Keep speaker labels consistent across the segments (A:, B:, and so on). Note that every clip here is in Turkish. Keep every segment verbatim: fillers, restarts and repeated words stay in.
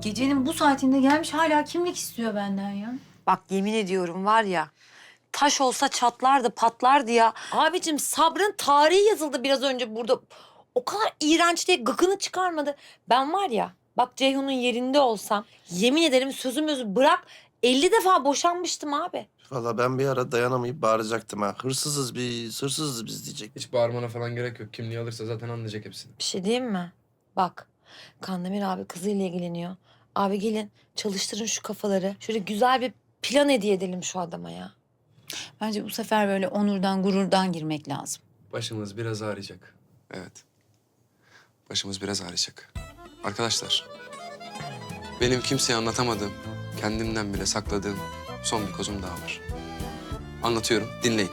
A: Gecenin bu saatinde gelmiş hala kimlik istiyor benden ya.
B: Bak yemin ediyorum var ya, taş olsa çatlardı, patlardı ya. Abicim sabrın tarihi yazıldı biraz önce burada. O kadar iğrenç diye gıkını çıkarmadı. Ben var ya, bak Ceyhun'un yerinde olsam yemin ederim sözümüzü bırak elli defa boşanmıştım abi.
C: Valla ben bir ara dayanamayıp bağıracaktım ha. Hırsızız biz, hırsızız biz diyecek.
D: Hiç bağırmana falan gerek yok. Kimliği alırsa zaten anlayacak hepsini.
B: Bir şey diyeyim mi? Bak, Kandemir abi kızıyla ilgileniyor. Abi gelin çalıştırın şu kafaları. Şöyle güzel bir plan hediye edelim şu adama ya.
A: Bence bu sefer böyle onurdan, gururdan girmek lazım.
D: Başımız biraz ağrıyacak. Evet. Başımız biraz ağrıyacak. Arkadaşlar, benim kimseye anlatamadığım, kendimden bile sakladığım son bir kozum daha var. Anlatıyorum, dinleyin.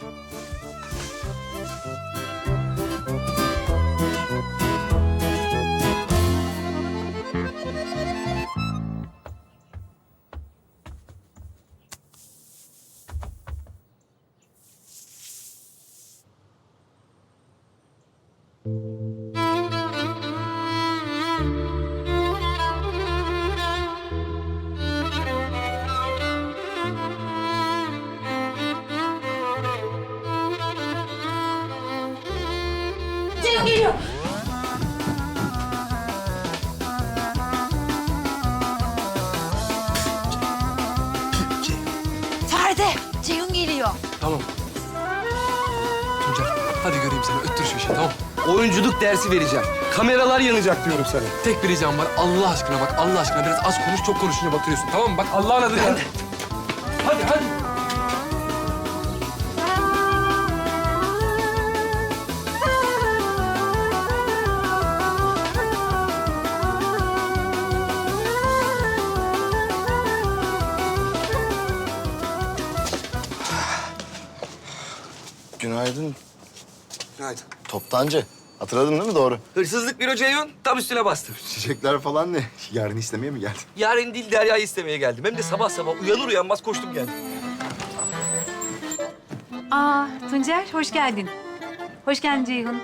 B: Ceyhun geliyor. Feride, Ceyhun geliyor.
D: Tamam. Tuncer, hadi göreyim seni. Öttür şu işi, tamam.
E: Oyunculuk dersi vereceğim. Kameralar yanacak diyorum sana.
D: Tek bir ricam var. Allah aşkına bak, Allah aşkına biraz az konuş, çok konuşunca batırıyorsun. Tamam mı? Bak Allah'ın adıyla. Hadi, hadi.
F: Günaydın.
E: Günaydın.
F: Toptancı. Hatırladın değil mi doğru?
E: Hırsızlık büro Ceyhun tam üstüne bastım.
F: Çiçekler falan ne? Yarın istemeye mi geldin?
E: Yarın değil Derya'yı istemeye geldim. Hem de sabah sabah uyanır uyanmaz koştum geldim.
A: Aa Tuncer, hoş geldin. Hoş geldin Ceyhun.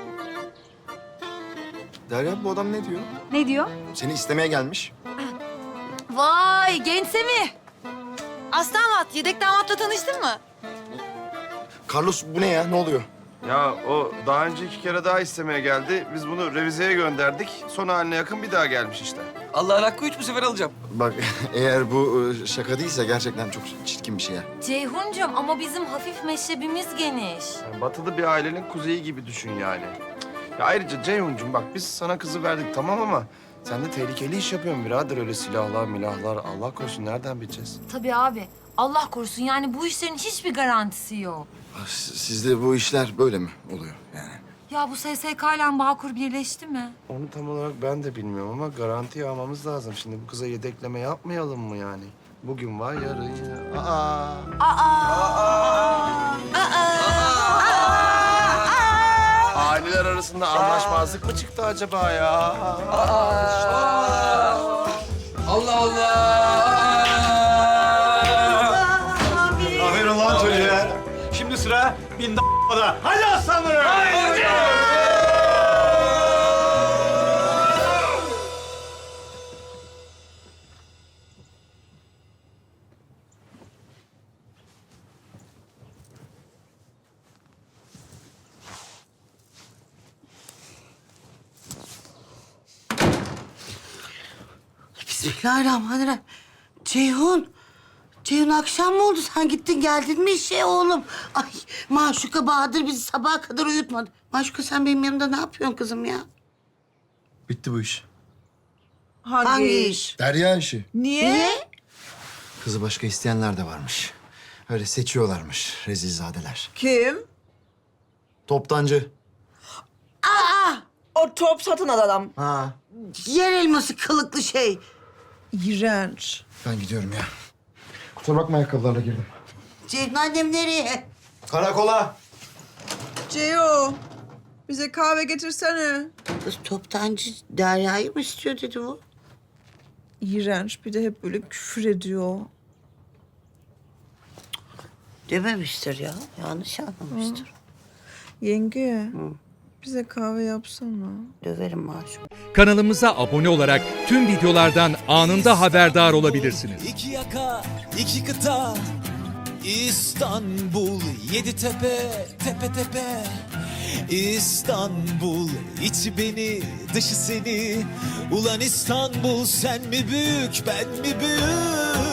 F: Derya bu adam ne diyor?
A: Ne diyor?
F: Seni istemeye gelmiş.
B: Vay gençse mi? Aslı damat, yedek damatla tanıştın mı?
F: Carlos bu ne ya? Ne oluyor?
C: Ya o daha önce iki kere daha istemeye geldi. Biz bunu revizeye gönderdik. Son haline yakın bir daha gelmiş işte.
E: Allah'ın hakkı üç bu sefer alacağım.
F: Bak eğer bu e, şaka değilse gerçekten çok çirkin bir şey ya.
B: Ceyhuncuğum ama bizim hafif meşrebimiz geniş.
C: Yani batılı bir ailenin kuzeyi gibi düşün yani. Ya ayrıca Ceyhun'cum bak biz sana kızı verdik tamam ama sen de tehlikeli iş yapıyorsun birader. Öyle silahlar milahlar Allah korusun nereden bileceğiz?
B: Tabii abi. Allah korusun yani bu işlerin hiçbir garantisi yok.
F: Ah, s- Sizde bu işler böyle mi oluyor yani?
B: Ya bu S S K ile Bağkur birleşti mi?
C: Onu tam olarak ben de bilmiyorum ama garanti almamız lazım. Şimdi bu kıza yedekleme yapmayalım mı yani? Bugün var yarın ya. Aa. Aileler arasında anlaşmazlık mı çıktı acaba ya?
D: Allah Allah!
G: Aferin lan çocuğa. Şimdi sıra bin da. Hadi aslanlarım. Haydi.
H: Bismillahirrahmanirrahim. Ceyhun. Ceyhun akşam mı oldu? Sen gittin geldin mi işe oğlum? Ay Maşuka Bahadır bizi sabaha kadar uyutmadı. Maşuka sen benim yanımda ne yapıyorsun kızım ya?
F: Bitti bu iş.
H: Hangi, Hangi iş?
F: Derya işi.
H: Niye? Niye?
F: Kızı başka isteyenler de varmış. Öyle seçiyorlarmış rezilzadeler.
I: Kim?
F: Toptancı.
H: Aa!
I: O top satın al adam.
F: Ha.
H: Yer elması kılıklı şey.
I: İğrenç.
F: Ben gidiyorum ya. Kusura bakma ayakkabılarla girdim.
H: Ceyhun annem nereye?
F: Karakola.
I: Ceo, bize kahve getirsene.
H: Kız toptancı Derya'yı mı istiyor dedi bu?
I: İğrenç. Bir de hep böyle küfür ediyor.
H: Dememiştir ya. Yanlış anlamıştır.
I: Yenge, Bize kahve yapsana.
H: Döverim Maşuka.
J: Kanalımıza abone olarak tüm videolardan anında haberdar olabilirsiniz.
K: İki yaka, iki kıta, İstanbul, yedi tepe, tepe tepe. İstanbul, içi beni, dışı seni. Ulan İstanbul, sen mi büyük, ben mi büyük?